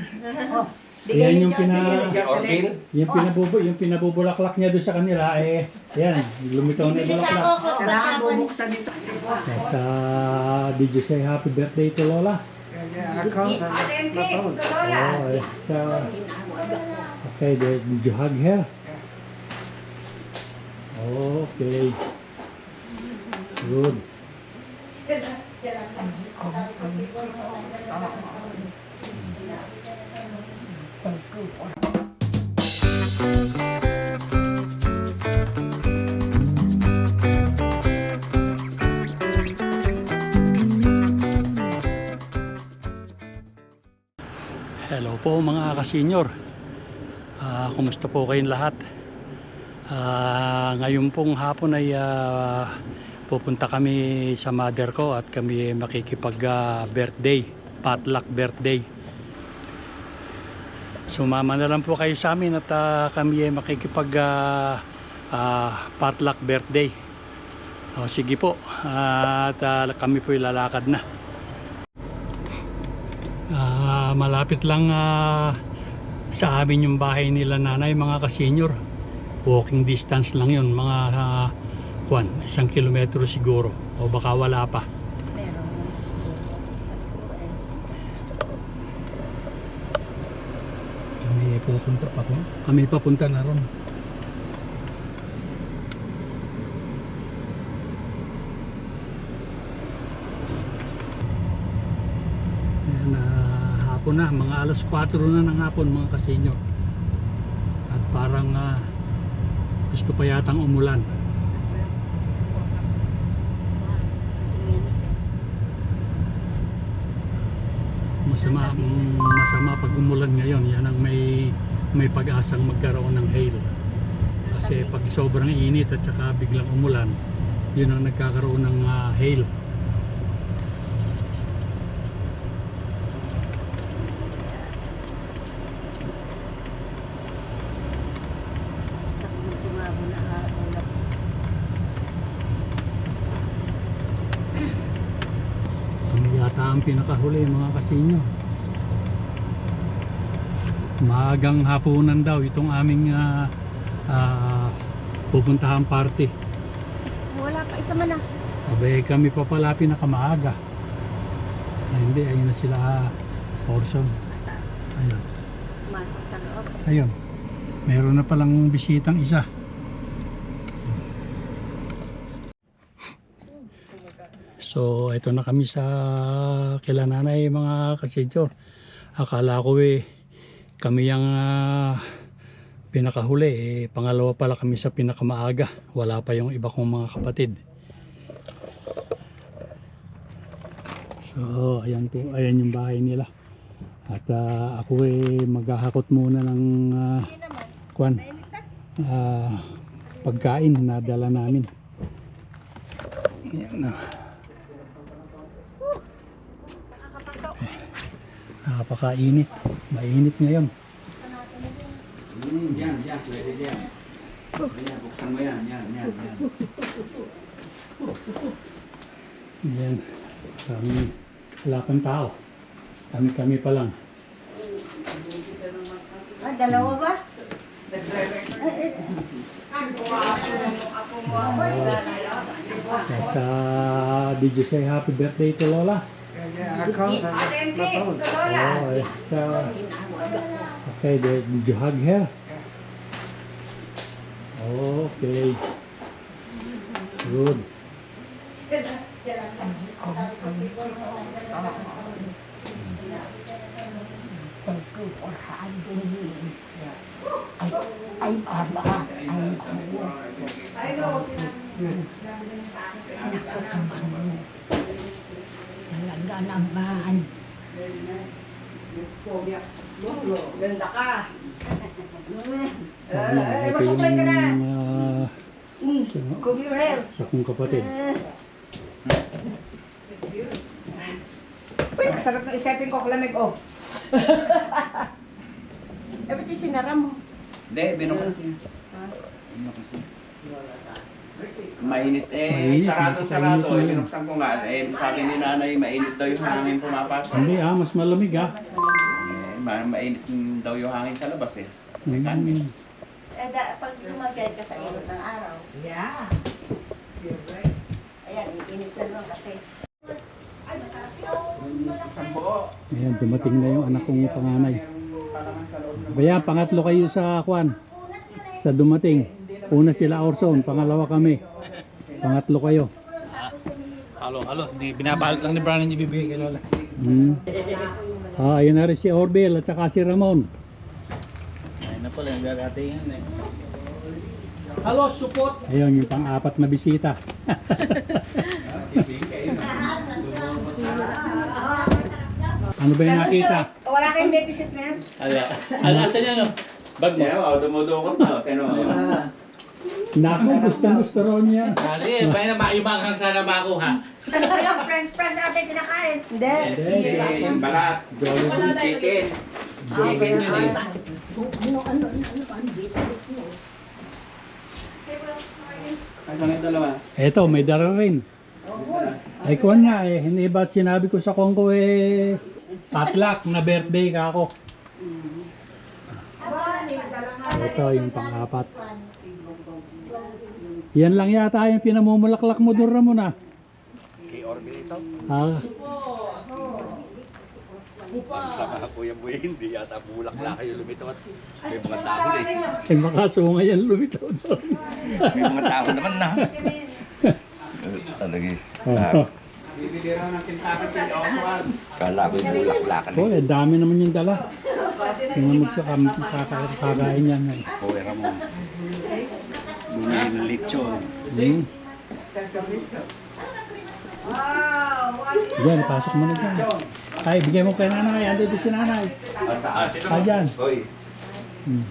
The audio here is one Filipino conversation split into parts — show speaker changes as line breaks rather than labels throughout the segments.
Oh,
Yan yung
yung
pinabubulaklak niya doon sa kanila eh. Yan, lumitaw na yung bulaklak.
Kailangan bubuksan dito.
Sa did you say happy birthday to Lola? Oh, okay, did you hug her? Okay. Good. Hello po mga ka-senior. Kumusta po kayong lahat? Ngayon pong hapon ay pupunta kami sa mother ko at kami makikipag birthday, potluck birthday. Sumama na lang po kayo sa amin at kami makikipag potluck birthday. Sige po, at kami po ilalakad na. Malapit lang sa amin yung bahay nila nanay mga ka-senior. Walking distance lang yun, mga 1 kilometro siguro o baka wala pa. Kami papunta na ron. Hapon na, mga alas 4 na ng hapon mga ka-senior. At parang gusto pa yatang umulan. Masama pag umulan ngayon. Yan ang may pag-asang magkaroon ng hail. Kasi pag sobrang init at saka biglang umulan, yun ang nagkakaroon ng hail. Ang pinakahuli mga kasinyo, maagang hapunan daw itong aming pupuntahan party.
Wala pa, isa man na.
Abay kami pa pala pinakamaaga. Hindi, ayun na sila Orson. Ayun.
Masok sa loob.
Ayun, meron na palang bisitang isa. So ito na kami sa kila nanay mga kasidyo. Akala ko kami yung pinakahuli pangalawa pala kami sa pinakamaaga. Wala pa yung iba kong mga kapatid. So ayan po, ayan yung bahay nila. At ako maghahakot muna ng pagkain na dala namin. Ayan na. Napakainit. Mainit ngayon.
Yan, pwede yan. Ayan, buksan mo yan. Yan.
Yan. Wala pang tao. Kami pa lang.
Dalawa ba?
Did you say happy birthday to Lola? Okay, did you hug her? Okay. Good.
Talaga naman. Ganda ka. Masuklay ka na.
Sa kong kapatid.
Uy, sarap ng isipin ko. Kalamig, oh. Eh, ba't yung sinara mo?
Hindi, binukas niya. Binukas niya. Mainit
Mainit,
sarado.
mainit.
Binuksan ko nga. Sabi ni nanay, mainit daw yung hangin pumapasok.
Hindi mas malamig
Mas malamig.
Mainit daw yung hangin sa labas eh. May kanin.
Pag lumagay ka sa init ng araw. Yeah. You're right. Ayan, iinit na naman kasi. Ay, masarap yun.
Sambo.
Ayan, dumating na yung anak kong panganay. Kaya pangatlo kayo sa kwan. Sa dumating. Una sila Orson, pangalawa kami. Pangatlo kayo.
Halo. Di binabalot lang ni Brian yung ibibigay kay Lola.
Ayun na rin si Orbel at saka si Ramon.
Ayun na pala, yung gagatingin eh. Halo, support!
Ayun, yung pang-apat na bisita. Ano ba yung nakita?
Wala kayong babysit na yan?
Alasan niya, no? Bag mo.
Yeah, dumudukot na. Tino.
Naku, gusto raw niya.
Dali, bayan na maayumanghang sana makuha.
Yung friends natin kinakain. Hindi.
Chicken, balat. Chicken. Chicken yun eh. Asan yung dalawa?
Eto, may dara rin. Ay kwan niya eh, hindi ba't sinabi ko sa Kongko eh, patlak na birthday ka ako. Ito yung pang-apat. Yan lang yata yung pinamumulaklak mo doon Ramon ah.
Kay Orville ito?
Ah,
Sama ko yung buhay, hindi yata bulak-lak kayo lumitaw at may mga tao eh.
ay makasunga yan lumitaw doon.
May mga tao naman na. Talaga
Oh,
Bibili raw ng Kentucky si Oswald. Kala ko yung bulak-lakan
oh, eh, dami naman yung dala. Sino magkakakain yan eh.
Pera mo. Bumili ng lechon.
Diyan, pasok mo na dyan. Ay, bigay mo kay nanay. Ando doon si nanay.
Saan?
Ah, dyan.
Hoy.
Hmm.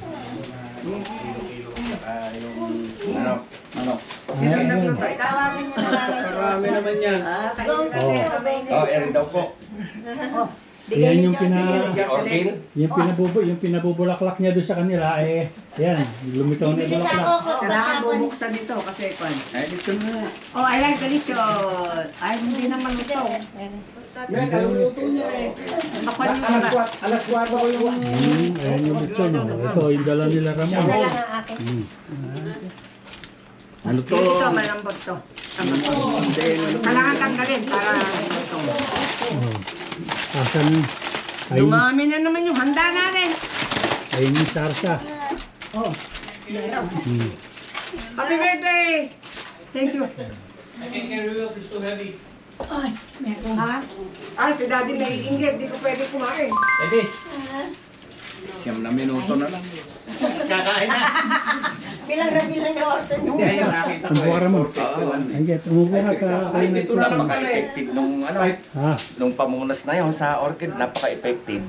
Ano?
Sino
Ayan,
nagluto? Tawagin niyo na lang.
Marami naman yan.
Kayo na
Oh.
Oh, Eric daw po.
Yan yung
Orville?
yung pinabubulaklak niya doon sa kanila eh. Yan, lumitaw na yung bulaklak.
Kailangan bubuksan dito kasi kwan.
Ay, dito na.
Oh, I like the lechon. Ay, hindi naman luto.
Kaluluto niya eh.
Bakwan yung iba.
Alas 4 ko yung...
Ayan yung lechon. Oh. Ito, yung dala nila Ramon.
Yan lang ang akin.
Ano to?
Ito, malambot to. Kailangan tanggalin para luto.
Oh. Asan yun? Ayun,
Dumami na naman yung handa natin.
ayun yung sarsa.
Oh, Happy birthday! Thank you.
I can't carry it, it's too heavy.
Ha? Ah, si daddy naiinggit. Di ko pwede kumain.
Ready?
Siyam na minuto na lang.
Kakain na.
Bilang na orson yung
Hindi, yung nakita ko
Umupo ka Ramon.
eh.
Ay, get, umupo ka ka.
Ay, ito na napaka-effective nung ano.
Ha?
Nung pamunas na yun sa orchid, napaka-effective.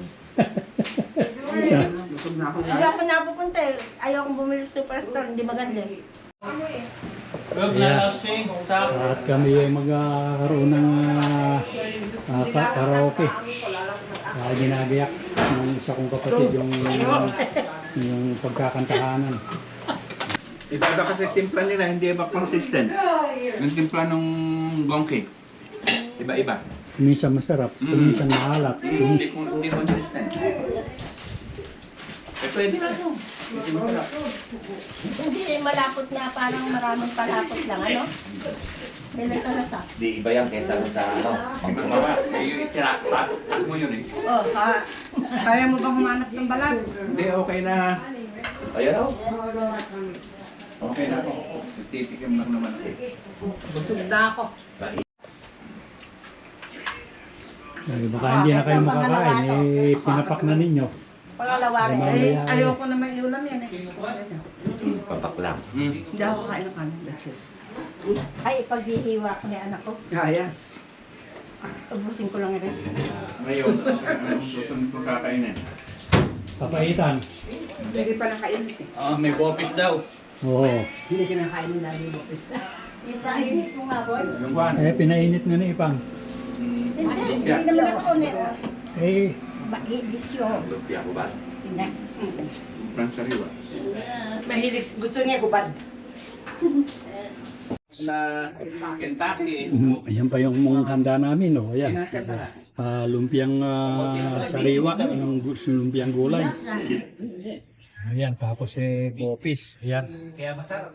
Hindi ako napupunta eh. Ayaw kong bumili sa superstore. Hindi maganda eh.
Huwag
Yeah.
lalasing sa...
At kami ay magkakaroon ng karaoke. Ginagayak ng isa kong kapatid yung pagkakantahanan.
Iba kasi timpla nila, hindi iba consistent. Yung timpla nung gongke. Iba-iba.
Minsan masarap, minsan maalat.
Hindi consistent. Eh, pwede na ito. Hindi masarap.
Hindi malapot na parang maraming palapot lang. Ano? May lasa-lasa.
Di iba yan kesa sa ano. Pagkamawa. Eh, yung itiraklat mo yun eh.
Oh, kaya mo bang humanap ng balag?
Hindi, okay na. Ayan o. Okay na ako. Titikim lang naman ako.
Busog na ako.
Ay, baka hindi na kayo makakain, eh pinapak na ninyo.
Pangalawa rin.
Mamaya,
Eh, ayoko naman iulam yan eh.
Papak lang.
Hindi ako kain ng kanin. That's it. Ay, paghihiwa ko ni anak ko. Kaya. Ubusin ko lang rin.
Ngayon, anong susunod ko kakainin?
Papaitan.
Hindi pa nakainit eh.
May bopis daw.
Oo.
Hindi kinakain ng daddy mo. Itainit mo nga, boy.
Yung kwan.
Eh, pinainit na ni Ipang.
Hindi naman ako ulit.
Eh,
Mahilig yun.
Lumpia ko ba?
Hindi.
Franz Sariwa.
Mahilig. Gusto niya hubad.
Na Kentucky.
ayan pa yung mga handa namin, oh. Ayan.
Pinasa pa.
lumpiang sariwa, yung lumpiang gulay. Ayan, tapos bopis. Ayan.
Kaya masarap.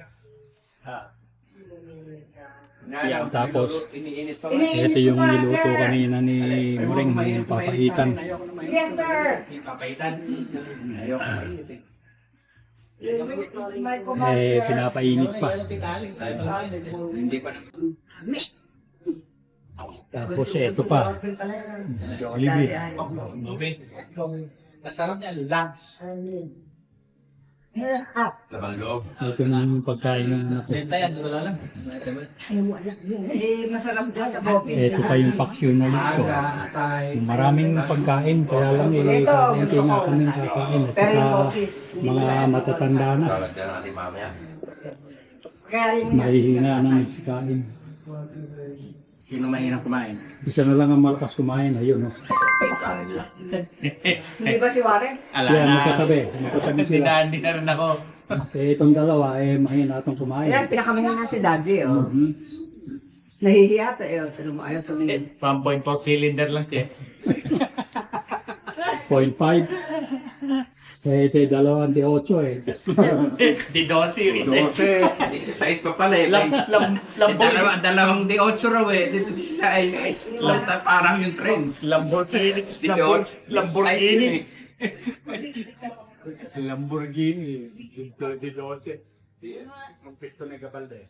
Ayan, tapos
iniinit pa.
ito yung niluto kanina ni Muring, yung papaitan.
Yes, sir.
Papaitan.
Ayoko mainit eh.
May kumain.
Pinapainit pa.
Hindi pa
Tapos ito pa. Jollibee.
Masarap niya, lunch.
labang loob.
Ito na yung pagkain ng anak ko.
Benta yan, wala lang.
Masarap din sa bopis.
Ito pa yung paksyon na luso. Maraming pagkain, kaya lang kaunti nga kami kakain. At
Pero yung
saka
bopis,
mga matatanda na.
Lalagyan natin mamaya.
Kaya rin nga.
Mahihina na nagsikain.
Sino mahirap kumain?
Isa na lang ang malakas kumain. Ayun, no?
Kanin lang.
Hindi ba si Warren?
Yan, magkatabi. Magkatabi sila.
Hindi na rin ako.
Itong dalawa, mahina itong kumain.
Ayan, pinakamahina si Daddy, oh. Nahihiya to, eh. Ayaw tumingin.
1.4 cylinder lang siya.
0.5. Ito yung 28
Di 12 series eh.
16 pa pala eh. Dalawang D8 raw eh. Dito 16. Parang yung trend.
Lamborghini.
18.
Lamborghini. Lamborghini. Di 12. Ang pito na Gabalde.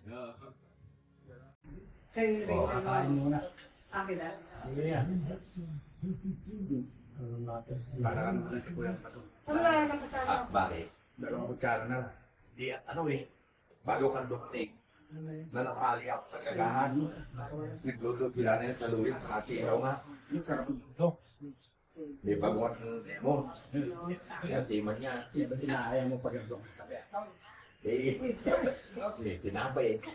Kakain muna.
Akin na.
Sige yan.
Parang ano si Kuya Pato.
Wala na pasama.
Bakit?
Dalawang magkano na.
Di ano eh. Bago kang duktig. Na nakali ako sa kagahan. Nagluto-pila na sa luwin sa kasiyaw nga. May baguhan ng demo. Kaya timan niya.
Ba't inaaya mo pa ganito?
Tinapay eh.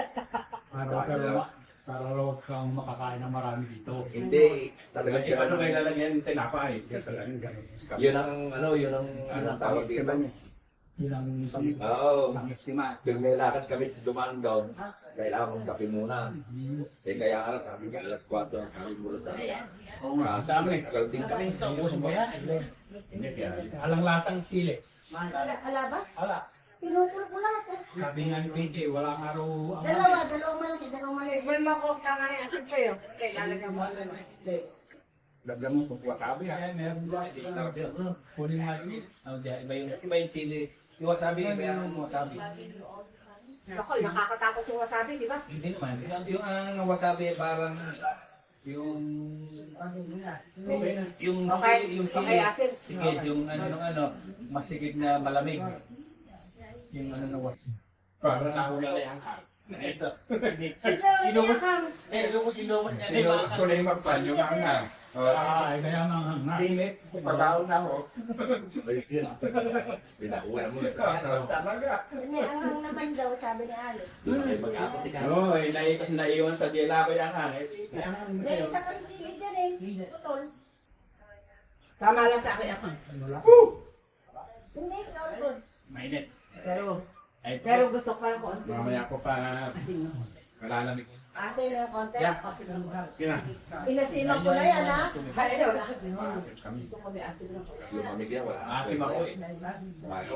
Para raw kang makakain ng marami dito.
Hindi. Talagang
Paano may lalagyan yung tinapay?
yun ang tawag dito.
Yun ang
Oo.
pang-estima.
Kung may lakad kami dumaan doon, kailangan mong kape muna. Kaya nga, sabi nga, alas 4 ang sabi mo sa
Sa amin.
tagal din kami.
Ubus mo yan? Hindi. Alang lasang sili.
Ala ba?
Ala.
Pinutol ko lahat eh.
Sabi nga ni PJ, walang araw ang...
Dalawang malaki, dalawang mali. Well, makukta nga rin asin sa'yo. Okay, lalagyan mo.
Lagyan mo kung wasabi ha.
Ayan, meron ba? Kunin nga yun.
Iba yung sili. Yung wasabi, iba yung wasabi.
Ako, nakakatakot yung wasabi, di ba?
Hindi naman. Yung ang wasabi parang yung
Okay,
yung
okay, asin.
sigid, yung masigid na malamig. Yung ano na was. Para nahula na yung hang. Ito. Inumot. Inumot niya.
Pinulot ko na yung magpan, yung hanga.
Kaya nga nga.
Dinit, pagkaon na ako. Pinakuha mo na sa talaga.
May angang naman daw, sabi ni Alex.
Mag-apot ka.
Oo, naiwan sa dila ko yung hang.
May isa kang silid dyan eh. Putol. Tama lang sa akin ako. Hindi, si Orson.
Mainit.
Pero gusto ko pa konti.
Mamaya ko pa
Asin.
malalamig.
Asin na konti.
Yeah. Kina.
Inasino ko na yan ha. Kaya na wala.
Kami.
Gusto ko may asin na.
Lumamig yan, wala.
Asim ako eh.
Mayo.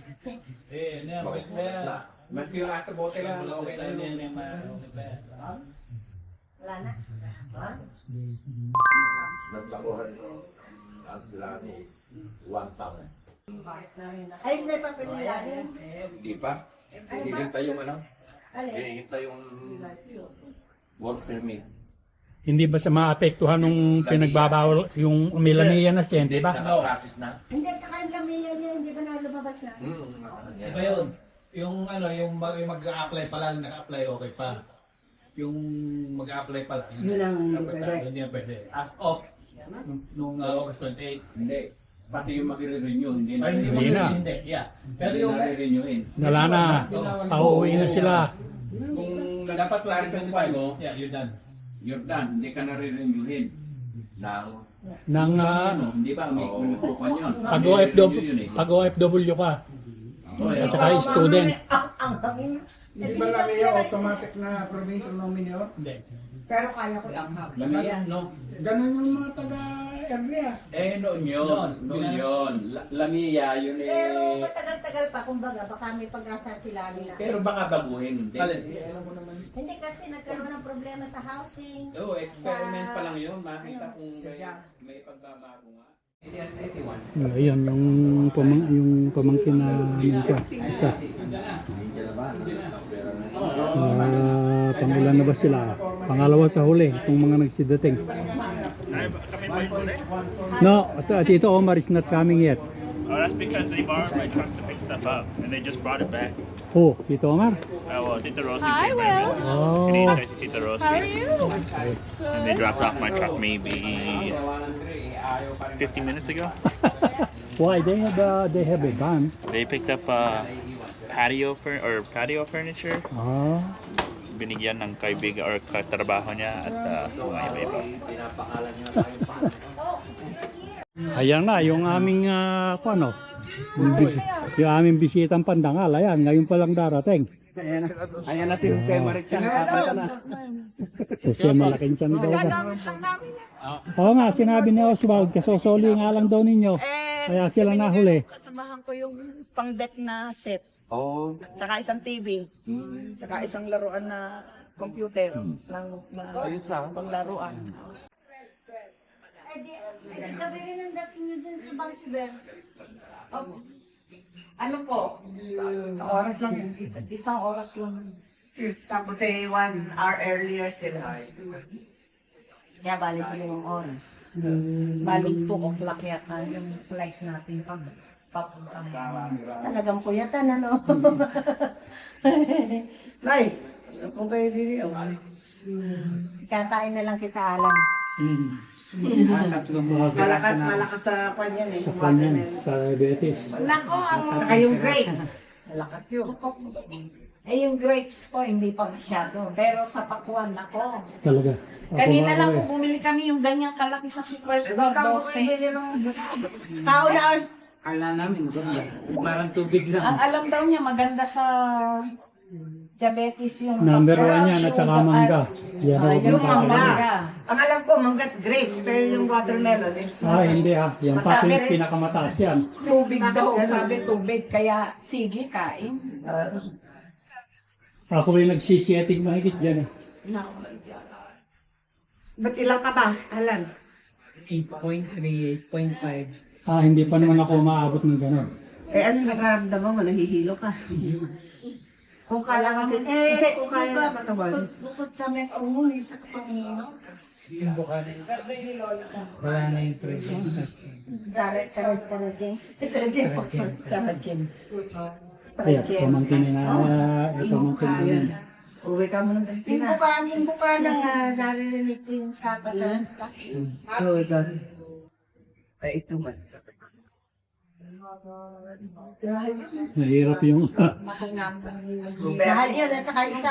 Mas yung asa bote lang. Okay lang yan.
Wala na. Ha?
Nagtakuhan ang sila ni one pound.
Ay, sa papel nila yun.
Hindi pa. Hinihintay yung ano?
Alin?
Hinihintay yung work permit.
Hindi ba sa maapektuhan nung pinagbabawal yung Melania na siya, di ba?
Naka-process na.
Hindi, tsaka yung lamiya niya, hindi ba na lumabas na?
Iba yun. Yung mag-a-apply pa lang, naka-apply okay pa. Yung mag-a-apply pa lang.
Yun ang hindi pwede.
Hindi yan pwede. As of nung August 28. Hindi. Pati yung mag-renew, hindi na.
Hindi na.
Hindi, yeah. Pero yung re-renewin.
Wala na. Pauwi na sila.
Kung dapat 2025 mo, yeah, you're done. You're done. Hindi ka na re-renewin.
Nang
Hindi ba? May kukuhan yun.
pag OFW ka. At saka student.
Ang hangin.
Hindi ba lang yung automatic na provincial nominee?
Hindi.
Pero kaya ko ianghang.
Lamia, no?
Ganun yung mga taga-Erlias.
Noon yun. Lamia, yun
Pero matagal-tagal pa, kumbaga, baka may pag-asa sila nila.
Pero baka baguhin.
Hindi kasi nagkaroon ng problema sa housing.
Experiment pa lang yun. Makita kung may pagbabago nga.
Ayan, yung pamangkin na isa. Pangulan na ba sila? Pangalawa sa huli, itong mga nagsidating. No, Tito Omar is not coming yet.
Oh, that's because they borrowed my truck to pick stuff up, and they just brought it back.
Oh, Tito Omar?
Well, Tita Rosie
Hi,
came
Will.
in.
Oh.
Good evening, Tita Rosie.
How are you?
And they dropped off my truck maybe 50 minutes ago.
Why? They have a van.
They picked up patio furniture.
Ah.
Binigyan ng kaibigan or katrabaho niya at mga iba-iba.
Ayan na, yung aming yung aming bisitang pandangal. Ayan, ngayon pa lang darating.
Ayan natin kay Marichan.
Kasi malaking tiyan daw ba? Oo nga, sinabi ni Oswald, kasosoli nga lang daw ninyo. Kaya sila nahuli.
Kasamahan ko yung pang-deck na set. Tsaka isang TV. Tsaka isang laruan na computer. Panglaruan.
Eh di gabi rin ang dating nyo dun sa Bangsibel.
Ano po? Oras lang. Isang oras lang.
Tapos 1 hour earlier sila.
Kaya balik yung oras. Balik 2 o'clock yata yung flight natin pag papunta.
Talagang puyatan, ano? Nay, kung kayo dili, kakain na lang kita, Alan. Malakas sa kanya eh.
Sa kanyan, sa diabetes.
Nako,
Saka yung grapes. Malakas yun.
yung grapes po, hindi pa masyado. Pero sa pakuan, nako.
Talaga.
Kanina lang po bumili kami yung ganyang kalaki sa Superstore 12.
Tao na,
Kala namin, parang tubig lang.
Ang alam daw niya maganda sa diabetes yung
Number 1 yan at saka mangga. Yan ang
yung
huwag
mangga.
ang alam ko, manggat grapes, pero yung watermelon eh.
hindi yan pa pinakamataas yan.
Tubig daw, sabi tubig. Kaya sige, kain.
Ako ay nagsisieting mahigit dyan eh.
Ba't ilang ka ba, Alan?
8.3, 8.5.
Hindi pa naman ako maabot ng gano'n.
Eh, ano nakaramdaman mo? Nahihilo ka. Kung kaya kasi, kung kaya na katawan. Bukod sa may kaunguli sa Panginoon.
Yung bukanan. Wala na yung pressure.
Tarajin.
Ayan, pamangkin na pamangkin na yan.
Uwi ka mo ng Pilipinas. Yung buka na naririnig ko yung sapat na
Oh, it does. Ay, ito man.
Mahirap yung
Mahal yun, at saka isa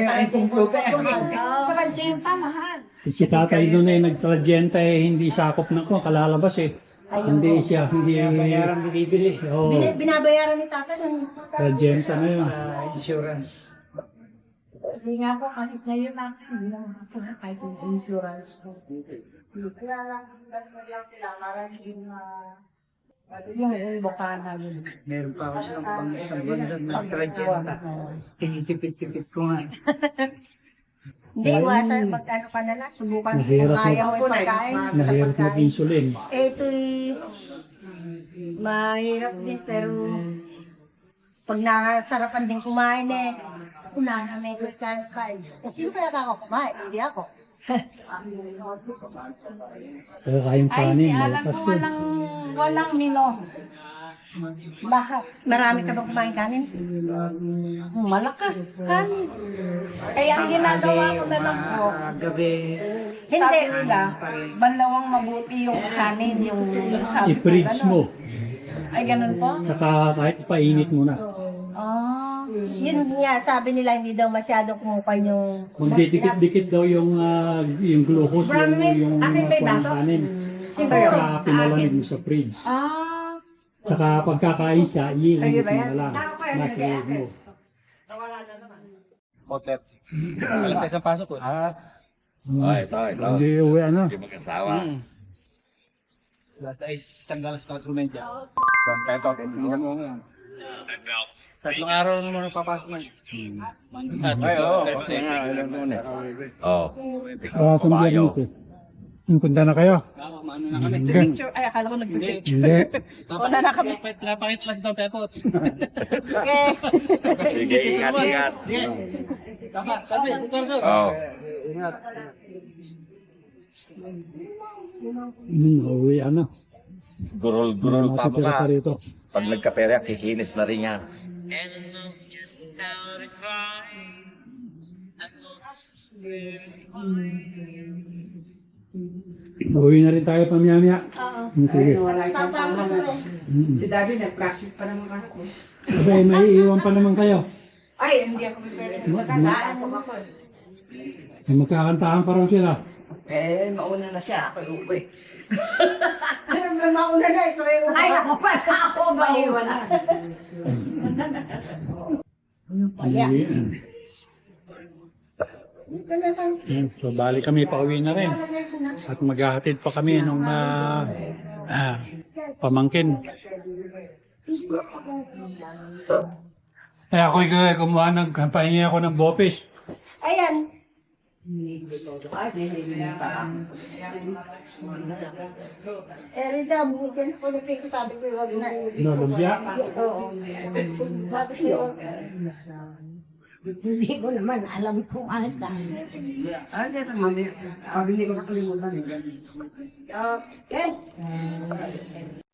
Tragenta, mahal.
si tatay doon ay nagtradyenta hindi sakop na ko kalalabas eh. Hindi siya, hindi
Bayaran binibili.
Oo,
Binabayaran ni Tata ng
tradyenta na yun.
Insurance.
Hindi nga po, kahit ngayon lang, hindi lang makasama kahit yung insurance.
Kaya lang sila, parang
Yung bukana yun.
Meron pa ako silang pang isang buwan na tragenta. Tinitipid-tipid ko nga.
hindi, iwasan, mag-ano ka na lang, subukan kung
Mahirap
kaya mo yung pagkain.
Mahirap mag-insulin.
Ito'y mahirap din, pero pag nakasarapan din kumain eh, una na may kain. Kasi sino kaya ako kumain? Hindi ako.
Saka kayong
Ay,
kanin,
si Alan
malakas
po
yun.
walang mino. Lahat.
Marami ka ba kumain kanin?
Malakas kanin. Kaya ang ginagawa ko na lang po,
Gabi.
sabi nila, banlawang mabuti yung kanin, yung sabi ko,
I-fridge
ganun.
mo,
Ay, ganun po?
saka kahit painit mo na.
Yun nga, sabi nila hindi daw masyado kumukan yung...
Magdidikit-dikit daw yung glucose, yung
Akin ba yung
kuwan
baso?
kanin.
Siguro.
Saka pinalamig mo sa fridge. Saka pagkakain siya, iinit mo na lang. Microwave mo.
Outlet. Alas sa isang pasok ko.
Hindi uwi ano.
Lahat ay tanggal sa instrumento. Tatlong araw naman papasok na.
Sa Biyernes eh. Yung punta na kayo? Hindi.
Picture, ay akala ko nag-picture.
Hindi.
Una na kami.
Napakita lang si Don Pepot.
Okay.
Sige, ingat.
Tama, sabi, sir.
Oh.
Uwi ano.
Gurul-gurul pa mo
Matitira
ka.
ka rito.
Pag nagkapera, kikinis na rin yan.
Uwi na rin tayo pamiyamiya. Sige.
Si Daddy nag-practice pa naman ako.
Kasi may iwan pa naman kayo.
Ay, hindi ako pwede. Matandaan ko ako.
May magkakantahan pa raw sila.
Eh, mauna na siya. Ako uwi. Alam mo, mauna na. Ikaw yung ay, ako pa. Ako ba iwan na?
So, bali kami, pauwi na rin. At maghahatid pa kami nung pamangkin. Eh, ako kumuha pahingi ako ng bopis.
Ayan. Ay, hindi pa. Eh, Rita, bumigyan ko ng pink. Sabi ko, wag na.
No, lumpia?
Oo. Sabi ko, hindi ko naman alam kung ano sa hindi ko mami. Hindi ko nakalimutan. Okay.